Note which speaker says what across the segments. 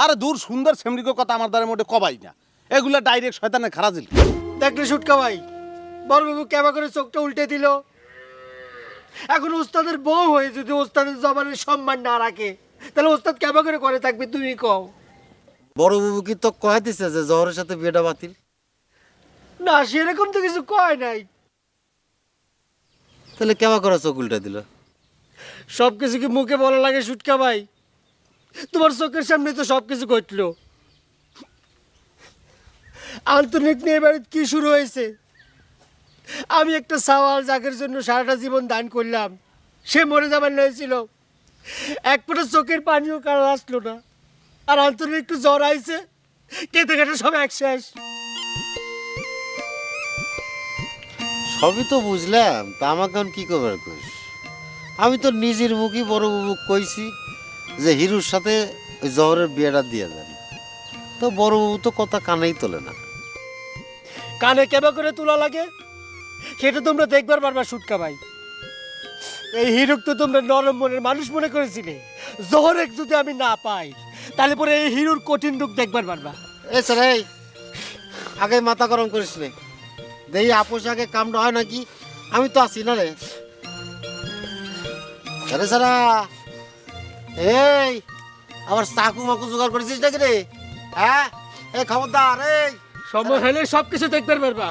Speaker 1: আরে দূর সুন্দর সেমরিকো কথা আমার দ্বারা মোটে কবাই না, এগুলা ডাইরেক্ট শয়তানের খারাজিল।
Speaker 2: দেখলে সুটকা ভাই, বড়বাবু কেবা করে চোখটা উল্টে দিল। এখন ওস্তাদের বউ হয়ে যদি ওস্তাদের জবানের সম্মান না রাখে, তাহলে ওস্তাদ কেবা করে থাকবে তুমি কও?
Speaker 3: বড় বাবু কি তো কয়ে দিছে যে জহরের সাথে বিয়েটা বাতিল?
Speaker 2: না, সেরকম তো কিছু কয় নাই।
Speaker 3: তাহলে কেবা করে চোখ উল্টে দিল?
Speaker 2: সব কিছু কি মুখে বলা লাগে সুটকা ভাই? তোমার চোখের সামনে তো সব কিছু ঘটলো। আন্তরিক নিয়ে বাড়িতে কি শুরু হয়েছে? আমি একটা সাওয়াল জাগের জন্য সারাটা জীবন দান করলাম, সে মরে যাবার হয়েছিল, এক ফোঁটা চোখের পানিও কারো আসলো না। আর আন্তরিক একটু জ্বর আইছে, কেটে কেটে সব এক শেষ।
Speaker 3: সবই তো বুঝলাম, তা আমাকে এখন কি করবার কইস? আমি তো নিজের মুখই বড় বাবু কইছি যে হিরুর সাথে ওই জহরের বিয়েটা দিয়ে দেন। তো বড় বাবু তো কথা কানেই তোলে না।
Speaker 2: কানে কেবা করে তোলা লাগে সেটা তোমরা দেখবার পারবা সুটকা ভাই। এই হিরুক তো তোমরা নরম মনের মানুষ মনে করেছিলে। জহরেক যদি আমি না পাই, তাহলে পরে এই হিরুর কঠিন রূপ দেখবার পারবা।
Speaker 3: এ স্যার, এই আগে মাথা গরম করিস রে, দেখি আপোষ আগে কামটা হয় নাকি। আমি তো আছি না রে। আরে সারা, এই আবার চাকু মাকু জোগাড় করেছিস নাকি রে? হ্যাঁ, এই খবরদার, এই
Speaker 2: সময় হলে সবকিছু দেখবার পারবা।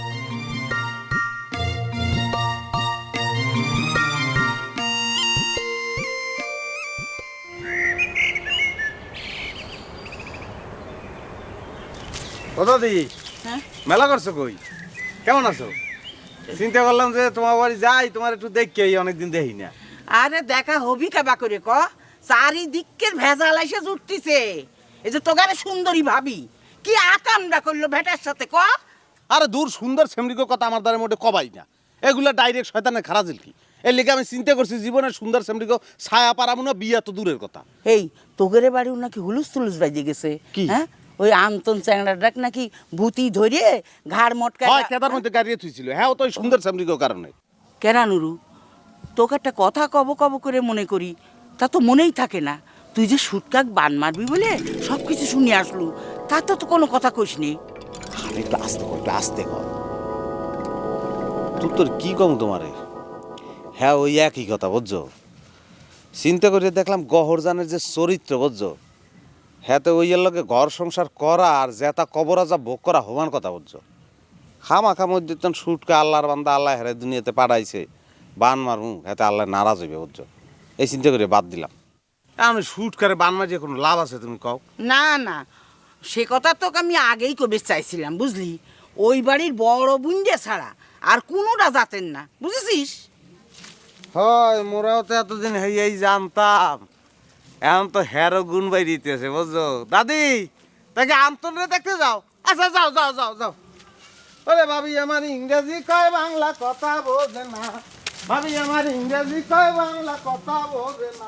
Speaker 1: ও দাদি,
Speaker 4: হ্যাঁ?
Speaker 1: মেলা করছো কই? কেমন আছো? চিন্তা করলাম যে তোমার বাড়ি যাই, তোমার একটু দেখি, অনেকদিন দেখি না।
Speaker 4: আরে দেখা হবি কাবা করে ক, চারিদিকের ভেজাল এসে জুটতিছে। এই যে তোগারে সুন্দরী ভাবি কি আকামটা করলো ভেটার সাথে ক।
Speaker 1: আরে দূর সুন্দর সেমরিকো কথা আমার দ্বারা মোটে কবাই না, এগুলা ডাইরেক্ট শয়তানের খারাজিল। কি এর লিগে আমি চিন্তা করছি জীবনের সুন্দর সেমরিকো ছায়া পারামু না, বিয়া তো দূরের কথা।
Speaker 4: এই তোগেরে বাড়িও নাকি হুলুস তুলুস বাজে গেছে।
Speaker 1: কি?
Speaker 4: হ্যাঁ, ওই আন্তন চ্যাংড়া ডাক নাকি ভূতি ধরে ঘাড় মটকা।
Speaker 1: হয় কেদার মধ্যে গাড়িয়ে থুইছিল, হ্যাঁ ও তো ওই সুন্দর সেমরিকো কারণে।
Speaker 4: কেরা নুরু, তোকে একটা কথা কব কব করে মনে করি, তা তো মনেই থাকে না। তুই যে সুটকাক বান মারবি বলে সব কিছু শুনে আসলু, তা তো কোনো কথা কইস নি।
Speaker 1: আরে একটু আস্তে কর, একটু আস্তে কর। তোর কি কম তোমারে? হ্যাঁ ওই একই কথা বুঝছো। চিন্তা করে দেখলাম গহরজানের যে চরিত্র বুঝছো, হ্যাঁ তো ওই লগে ঘর সংসার করা আর জেতা কবরা যা ভোগ করা হমান কথা বুঝছো। খামাখা মধ্যে তখন সুটকা আল্লাহর বান্দা, আল্লাহ হেরে দুনিয়াতে পাঠাইছে, বান মারু হ্যাঁ আল্লাহ নারাজ হইবে বুঝছো। এই চিন্তা করে বাদ দিলাম। আমি সুটকারে বান মারিয়ে কোনো লাভ আছে তুমি কও?
Speaker 4: না না, সে কথা তোকে আমি আগেই কবে চাইছিলাম বুঝলি। ওই বাড়ির বড় বুঞ্জে ছাড়া আর কোনোটা জাতেন না, বুঝেছিস?
Speaker 1: হয় মোরাও তো এতদিন এই জানতাম, এখন তো হেরো গুণ বাই দিতেছে বুঝছো। দাদি তাকে আন্তরে দেখতে যাও। আচ্ছা যাও যাও যাও যাও। ওরে ভাবি আমার ইংরেজি কয় বাংলা কথা বোঝে না, ভাবি আমার ইংরেজি কয় বাংলা কথা বোঝে না।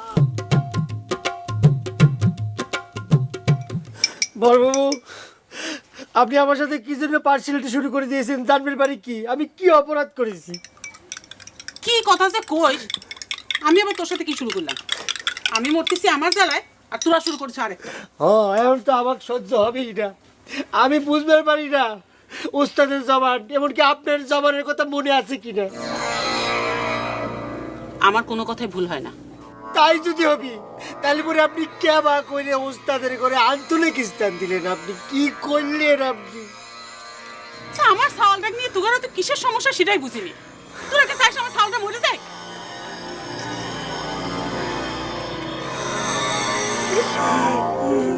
Speaker 2: বড়বাবু, আপনি আমার সাথে কি জন্য পার্সিয়ালিটি শুরু করে দিয়েছেন? জানবেন বাড়ি কি আমি কি অপরাধ করেছি?
Speaker 5: কি কথা যে কই, আমি আবার তোর সাথে কি শুরু করলাম? আমি মরতেছি আমার জ্বালায় আর তোরা শুরু করছিস আরেকটা।
Speaker 2: হ্যাঁ, এখন তো আমার সহ্য হবেই না। আমি বুঝতে পারি না উস্তাদের জবান, এমনকি আপনার জবানের কথা মনে আছে কিনা।
Speaker 5: আমার কোনো কথাই ভুল হয় না।
Speaker 2: তাই যদি হবি, তাহলে পরে আপনি কেবা করে উস্তাদের করে আন্তরিক স্থান দিলেন? আপনি কি করলেন? আপনি
Speaker 5: আচ্ছা, আমার সালটা নিয়ে তোরা তো কিসের সমস্যা সেটাই বুঝিনি। তোরা কি চাইছ আমার সালটা মরে যায়?